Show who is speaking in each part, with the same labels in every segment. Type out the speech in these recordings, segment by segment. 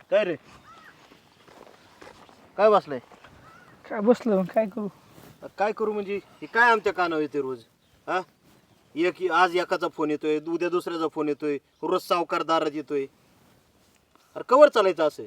Speaker 1: काय रे काय बसलाय?
Speaker 2: काय बसलो काय करू.
Speaker 1: काय करू म्हणजे हे काय आमच्या कानावर येते रोज? हा आज एकाचा फोन येतोय, उद्या दुसऱ्याचा फोन येतोय, रोज सावकार दारात येतोय. अरे कवर चालायचं असं?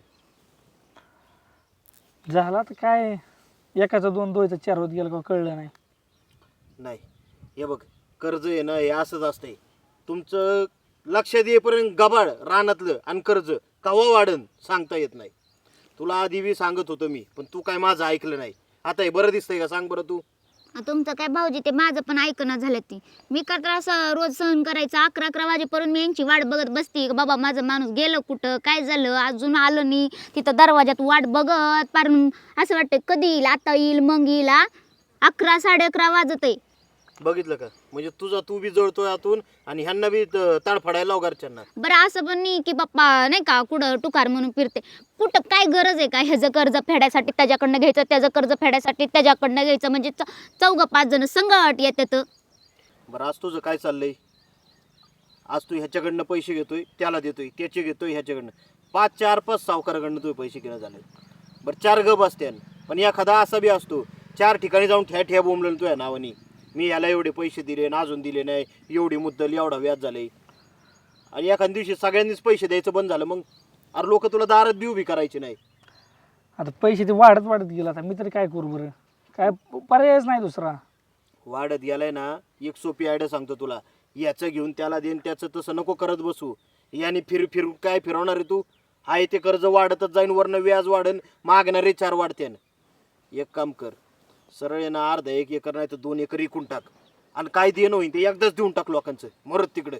Speaker 2: झाला तर काय एकाचा दोन दोयचा चार होत गेला का कळलं नाही.
Speaker 1: नाही हे बघ, कर्ज आहे ना हे असंच असतंय. तुमचं लक्षात येईपर्यंत गबाळ रानातलं आणि कर्ज कवा वाढन सांगता येत नाही. तुला आधी बी सांगत होतो मी, पण तू काय माझं ऐकलं नाही. आता हे बरं दिसतंय का सांग बरं तू?
Speaker 3: तुमचं काय भाऊजी ते माझं पण ऐकणं झालं ती. मी का त्रास रोज सहन करायचं 11 वाजेपर्यंत मी यांची वाट बघत बसती. बाबा माझं माणूस गेलं कुठं, काय झालं, अजून आलं नाही. तिथं दरवाजात वाट बघत पार असं वाटतं कधी येईल, आता येईल मग येईल. 11 11:30 वाजत आहे.
Speaker 1: बघितलं का? म्हणजे तुझा तू बी जळतोय आतून आणि ह्यांना बी ताडफडायला लाव घरच्यांना.
Speaker 3: बरं असं पण नाही की बाप्पा नाही का कुठं टुकार म्हणून फिरते. कुठं काय गरज आहे का ह्याचं कर्ज फेडायसाठी त्याच्याकडनं घ्यायचं, त्याचं कर्ज फेडायसाठी त्याच्याकडनं घ्यायचं. म्हणजे 4-5 जण संगट येतात.
Speaker 1: बरं आज तुझं काय चाललंय? आज तू ह्याच्याकडनं पैसे घेतोय, त्याला देतोय, त्याचे घेतोय ह्याच्याकडनं. 4-5 सावकाराकडनं तुझे पैसे घेणं झाले. बरं 4 गप असते, पण एखादा असा बी असतो 4 ठिकाणी जाऊन ठ्या बोंबलं तुझ्या नावानी. मी याला एवढे पैसे दिले ना अजून दिले नाही, एवढी मुद्दल एवढा व्याज झाले. आणि एखाद्या दिवशी सगळ्यांनीच पैसे द्यायचं बंद झालं, मग अरे लोक तुला दारात बी उभी करायची नाही.
Speaker 2: आता पैसे ते वाढत गेला. आता मी तरी काय करू बरं, काय पर्यायच नाही दुसरा.
Speaker 1: वाढत गेलाय ना, एक सोपी आयडिया सांगतो तुला. याचं घेऊन त्याला देईन, त्याचं तसं नको करत बसू. याने फिरून काय फिरवणार आहे तू? हाय ते कर्ज वाढतच जाईन, वरनं व्याज वाढन, मागणारे 4 वाढतेन. एक काम कर, सरळ आहे ना अर्धा 1 एकर नाही तर 2 एकर विकून टाक आणि काय देणं होईन ते एकदाच देऊन टाक लोकांचं, मरत तिकडे.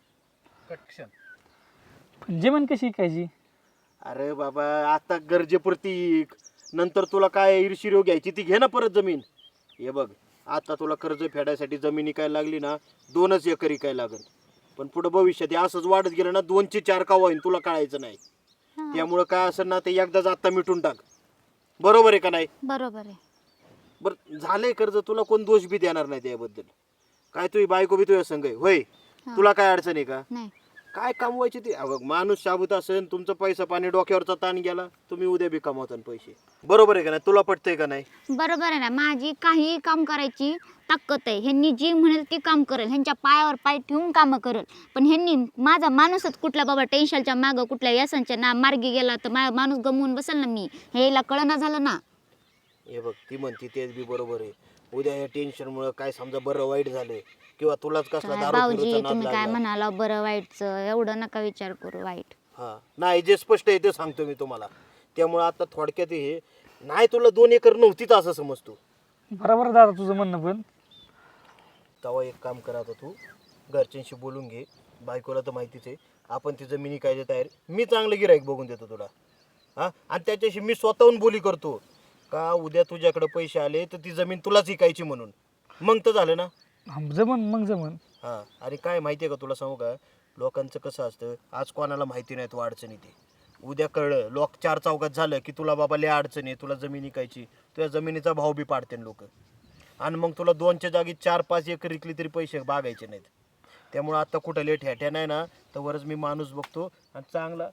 Speaker 2: पण जेवण कशी खायची?
Speaker 1: अरे बाबा आता गरजेपुरती इक. नंतर तुला काय ईर्षिरो घ्यायची ती घे ना परत जमीन. हे बघ, आता तुला कर्ज फेडायसाठी जमीन इकायला लागली ना 2च एकर इकायला लागल. पण पुढे भविष्यात हे असंच वाढत गेलं ना 2चे 4 का होईन तुला कळायचं नाही. त्यामुळं काय असेल ना ते एकदाच आता मिटून टाक. बरोबर आहे का नाही?
Speaker 3: बरोबर आहे.
Speaker 1: बरं झालंय कर्ज, तुला कोण दोष बी देणार नाही त्याबद्दल. काय तुझी बायको बी तुझ्या संग आहे होय? तुला काय अडचण आहे का?
Speaker 3: नाही
Speaker 1: काय कमवायची ती? अगं माणूस शाबूत असेल, तुमचं पैसा पाणी डोक्यावरचा ताण गेला, तुम्ही उद्या बी कमावता पैसे. बरोबर आहे का नाही? तुला पटतंय का नाही?
Speaker 3: बरोबर आहे ना. माझी काही काम करायची ताकद आहे. ह्यांनी जी म्हणेल ती काम करेल, ह्यांच्या पायावर पाय ठेवून कामं करेल. पण ह्यांनी माझा माणूसच कुठला बाबा टेन्शनच्या मागं कुठल्या व्यसनच्या ना मार्गी गेला तर माणूस गमवून बसेल ना मी. ह्याला कळना झालं ना.
Speaker 1: हे बघ, ती म्हणते तेच बी बरोबर आहे. उद्या या टेन्शनमुळे काय समजा बरं वाईट झालं किंवा तुलाच कसला
Speaker 3: काय
Speaker 1: दारू
Speaker 3: भाऊजी
Speaker 1: पिऊचा नाद
Speaker 3: तुम्ही काय
Speaker 1: लागला.
Speaker 3: म्हणाला बरं वाईटचं, एवढं नका विचार करू वाईट.
Speaker 1: हा नाही, जे स्पष्ट आहे ते सांगतो मी तुम्हाला. त्यामुळे आता थोडक्यात हे नाही, तुला 2 एकर नव्हतीच असं समजतो.
Speaker 2: बरोबर दादा तुझं म्हणणं. पण
Speaker 1: तेव्हा एक काम करा, आता तू घरच्यांशी बोलून घे. बायकोला तर माहितीच आहे आपण ती जमिनी काय तयार. मी चांगलं गिराईक बघून देतो तुला. हां, आणि त्याच्याशी मी स्वतःहून बोली करतो का उद्या तुझ्याकडे पैसे आले तर ती जमीन तुलाच विकायची म्हणून. मग तर झालं ना.
Speaker 2: जमन.
Speaker 1: हां, आणि काय माहिती आहे का तुला सांगू का, लोकांचं कसं असतं, आज कोणाला माहिती नाही तो अडचणी ते. उद्या कळलं लोक 4 चौकात झालं की तुला बाबा लय अडचणी, तुला जमीन विकायची, तुझ्या जमिनीचा भाव बी पाडते लोक. आणि मग तुला 2च्या जागी 4-5 एकर विकली तरी पैसे बागायचे नाहीत. त्यामुळं आता कुठं लेट ह्याट्या नाही ना, तर वरच मी माणूस बघतो आणि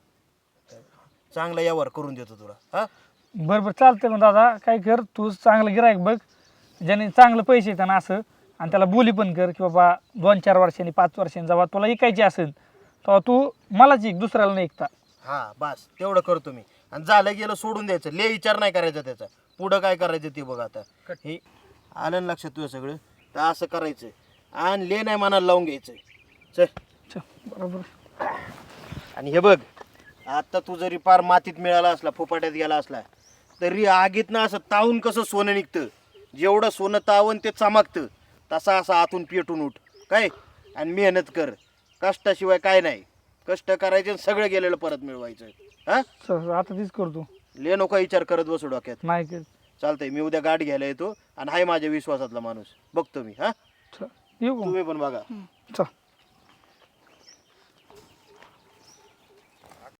Speaker 1: चांगला यावर करून देतो तुला. हां
Speaker 2: बरं चालतंय. मग दादा काय कर, तू चांगलं गिरायक बघ ज्याने चांगलं पैसे येतात ना असं, आणि त्याला बोली पण कर की बाबा 2-4 वर्षांनी 5 वर्षांनी जेव्हा तुला ऐकायची असेल तेव्हा तू मलाच ऐक, दुसऱ्याला नाही ऐकता.
Speaker 1: हां बस तेवढं करतो मी. आणि झालं गेलं सोडून द्यायचं, ले विचार नाही करायचा त्याचा. पुढं काय करायचं ते बघ. आता हे आलं ना लक्षात तुझं सगळं, तर असं करायचं आणि ले नाही मनाला लावून घ्यायचं. चल
Speaker 2: बरोबर.
Speaker 1: आणि हे बघ, आता तू जरी पार मातीत मिळाला असला, फुपाट्यात गेला असला, तरी आगीत ना असं तावून कसं सोनं निघतं, जेवढं सोनं तावून ते चमकतं, तसा असं आतून पेटून उठ काय. आणि मेहनत कर, कष्टाशिवाय काय नाही. कष्ट करायचे आणि सगळं गेलेलं परत मिळवायचं. हां
Speaker 2: आता तीच करतो.
Speaker 1: ले नको विचार करत बसू डोक्यात.
Speaker 2: नाही कर.
Speaker 1: चालतंय, मी उद्या गाडी घ्यायला येतो आणि हाय माझ्या विश्वासातला माणूस बघतो मी. हां
Speaker 2: येऊ का?
Speaker 1: तुम्ही पण बघा.
Speaker 2: चल.